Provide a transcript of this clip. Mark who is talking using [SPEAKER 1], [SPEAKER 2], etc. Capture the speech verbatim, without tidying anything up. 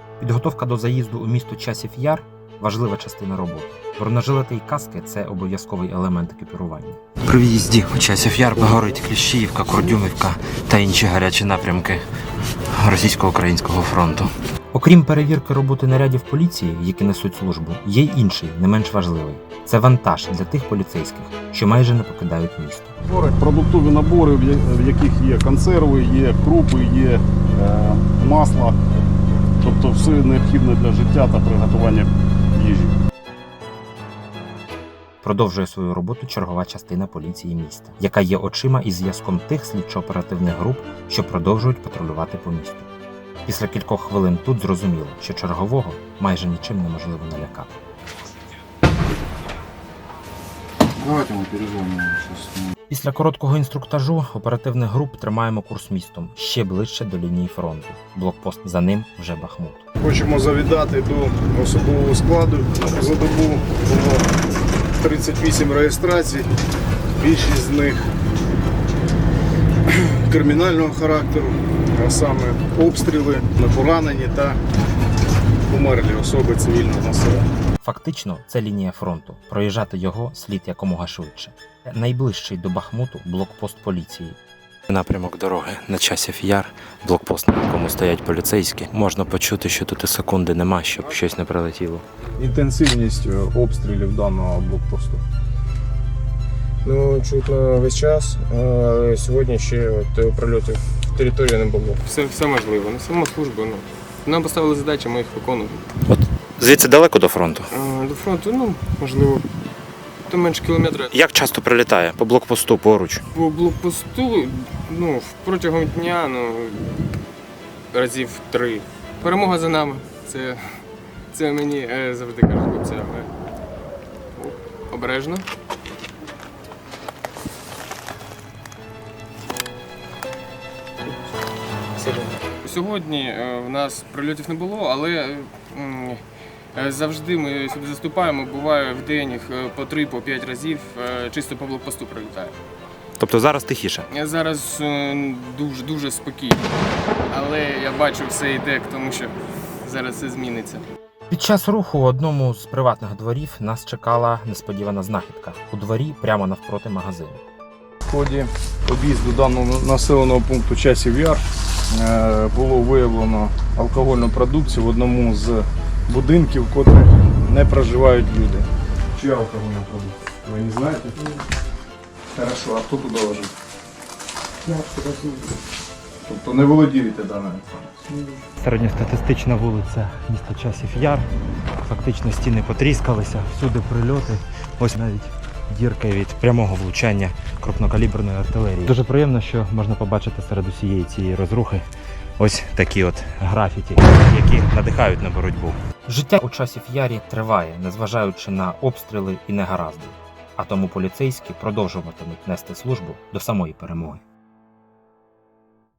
[SPEAKER 1] Підготовка до заїзду у місто Часів Яр – важлива частина роботи. Бронежилети і каски – це обов'язковий елемент екіпірування.
[SPEAKER 2] При в'їзді у Часів Яр горить Кліщіївка, Курдюмівка та інші гарячі напрямки російсько-українського фронту.
[SPEAKER 1] Окрім перевірки роботи нарядів поліції, які несуть службу, є й інший, не менш важливий. Це вантаж для тих поліцейських, що майже не покидають місто.
[SPEAKER 3] Продуктові набори, в яких є консерви, є крупи, є е, масло, тобто все необхідне для життя та приготування їжі.
[SPEAKER 1] Продовжує свою роботу чергова частина поліції міста, яка є очима і зв'язком тих слідчо-оперативних груп, що продовжують патрулювати по місту. Після кількох хвилин тут зрозуміло, що чергового майже нічим неможливо налякати.
[SPEAKER 3] Давайте ми перезвонимо.
[SPEAKER 1] Після короткого інструктажу оперативних груп тримаємо курс містом, ще ближче до лінії фронту. Блокпост за ним вже Бахмут.
[SPEAKER 3] Хочемо завідати до особового складу. За добу було тридцять вісім реєстрацій, більшість з них кримінального характеру, а саме обстріли, поранені та померлі особи цивільного населення.
[SPEAKER 1] Фактично, це лінія фронту. Проїжджати його слід якомога швидше. Найближчий до Бахмуту блокпост поліції.
[SPEAKER 2] Напрямок дороги на Часів Яр, блокпост, на якому стоять поліцейські. Можна почути, що тут і секунди нема, щоб щось не прилетіло.
[SPEAKER 3] Інтенсивність обстрілів даного блокпосту.
[SPEAKER 4] Ну, чутно весь час, але сьогодні ще от прильотів в територію не було.
[SPEAKER 5] Все, все можливо. Ну, само службу. Ну. Нам поставили задачі, ми їх виконуємо.
[SPEAKER 2] От звідси далеко до фронту?
[SPEAKER 5] А, до фронту, ну, можливо, то менше кілометра.
[SPEAKER 2] Як часто прилітає? По блокпосту поруч?
[SPEAKER 5] По блокпосту, ну, протягом дня, ну, разів три. Перемога за нами. Це, це мені е, завжди кажуть хлопці. Е, обережно. Сьогодні е, в нас прильотів не було, але е, завжди ми сюди заступаємо. Буває в день їх по три, по п'ять разів е, чисто по блокпосту прилітає.
[SPEAKER 2] Тобто зараз тихіше?
[SPEAKER 5] Зараз е, дуже, дуже спокійно, але я бачу, все йде к тому, що зараз все зміниться.
[SPEAKER 1] Під час руху у одному з приватних дворів нас чекала несподівана знахідка. У дворі прямо навпроти магазину.
[SPEAKER 3] В ході об'їзду даного населеного пункту Часів Яр було виявлено алкогольну продукцію в одному з будинків, в котрих не проживають люди. Чия алкогольна продукція? Ви не знаєте? Хорошо, а хто туди лежить? Я Тобто не володієте даною інформацією?
[SPEAKER 1] Середньостатистична вулиця міста Часів Яр. Фактично стіни потріскалися, всюди прильоти. Ось навіть дірка від прямого влучання крупнокаліберної артилерії. Дуже приємно, що можна побачити серед усієї цієї розрухи ось такі от графіті, які надихають на боротьбу. Життя у Часів Ярі триває, незважаючи на обстріли і негаразди. А тому поліцейські продовжуватимуть нести службу до самої перемоги.